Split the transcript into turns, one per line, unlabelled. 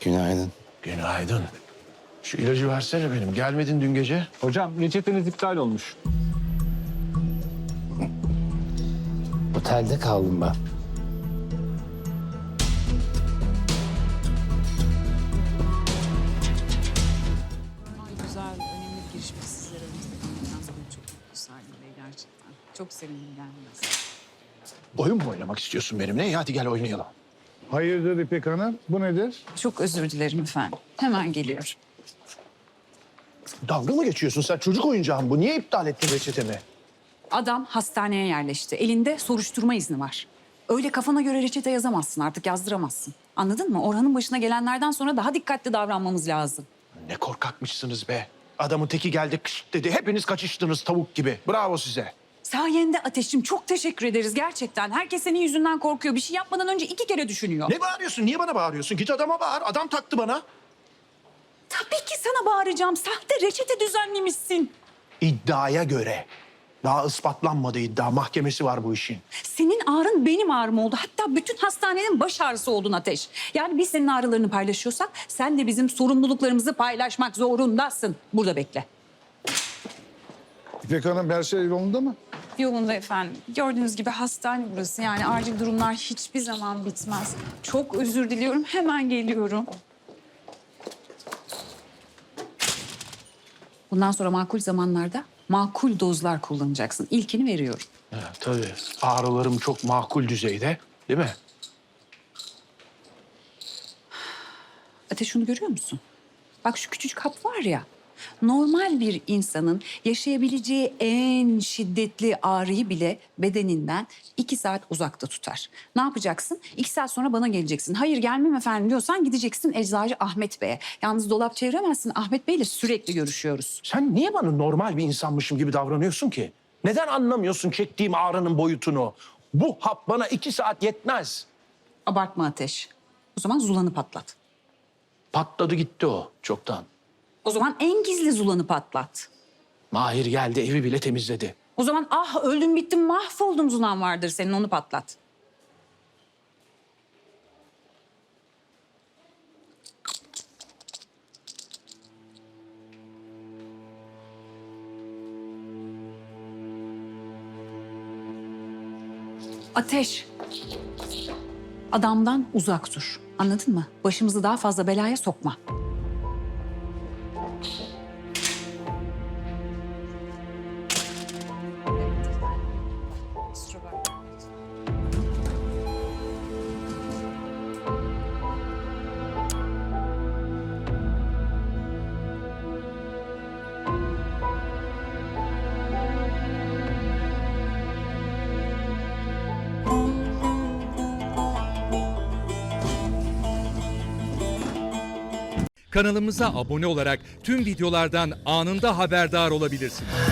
Günaydın.
Günaydın. Şu ilacı versene benim. Gelmedin dün gece.
Hocam reçeteniz iptal olmuş.
Otelde kaldım ben.
Güzel, önemli bir girişme sizlere önümüzde kalmaktan dolayı çok mutlu Salim Bey gerçekten. Çok sevindim gelmenize.
Oyun mu oynamak istiyorsun benimle? Hadi gel oynayalım.
Hayırdır İpek Hanım? Bu nedir?
Çok özür dilerim efendim. Hemen geliyorum.
Dalga mı geçiyorsun sen? Çocuk oyuncağı mı bu? Niye iptal ettin reçetemi?
Adam hastaneye yerleşti. Elinde soruşturma izni var. Öyle kafana göre reçete yazamazsın, artık yazdıramazsın. Anladın mı? Orhan'ın başına gelenlerden sonra daha dikkatli davranmamız lazım.
Ne korkakmışsınız be. Adamın teki geldi kış dedi. Hepiniz kaçıştınız tavuk gibi. Bravo size.
Sayende Ateş'im, çok teşekkür ederiz gerçekten. Herkes senin yüzünden korkuyor. Bir şey yapmadan önce 2 kere düşünüyor.
Ne bağırıyorsun? Niye bana bağırıyorsun? Git adama bağır. Adam taktı bana.
Tabii ki sana bağıracağım. Sahte reçete düzenlemişsin.
İddiaya göre. Daha ispatlanmadı iddia. Mahkemesi var bu işin.
Senin ağrın benim ağrım oldu. Hatta bütün hastanenin baş ağrısı oldun Ateş. Yani biz senin ağrılarını paylaşıyorsak sen de bizim sorumluluklarımızı paylaşmak zorundasın. Burada bekle.
İpek Hanım her şey yolunda mı?
Yolunda efendim. Gördüğünüz gibi hastane burası. Yani acil durumlar hiçbir zaman bitmez. Çok özür diliyorum. Hemen geliyorum. Bundan sonra makul zamanlarda makul dozlar kullanacaksın. İlkini veriyorum.
Ha, tabii. Ağrılarım çok makul düzeyde. Değil mi?
Ateş, şunu görüyor musun? Bak şu küçücük hap var ya. Normal bir insanın yaşayabileceği en şiddetli ağrıyı bile bedeninden 2 saat uzakta tutar. Ne yapacaksın? 2 saat sonra bana geleceksin. Hayır gelmem efendim diyorsan gideceksin Eczacı Ahmet Bey'e. Yalnız dolap çeviremezsin. Ahmet Bey'le sürekli görüşüyoruz.
Sen niye bana normal bir insanmışım gibi davranıyorsun ki? Neden anlamıyorsun çektiğim ağrının boyutunu? Bu hap bana 2 saat yetmez.
Abartma Ateş. O zaman zulanı patlat.
Patladı gitti o çoktan.
O zaman en gizli zulanı patlat.
Mahir geldi evi bile temizledi.
O zaman ah öldüm bittim mahvoldum zulan vardır senin, onu patlat. Ateş. Adamdan uzak dur. Anladın mı? Başımızı daha fazla belaya sokma.
Kanalımıza abone olarak tüm videolardan anında haberdar olabilirsiniz.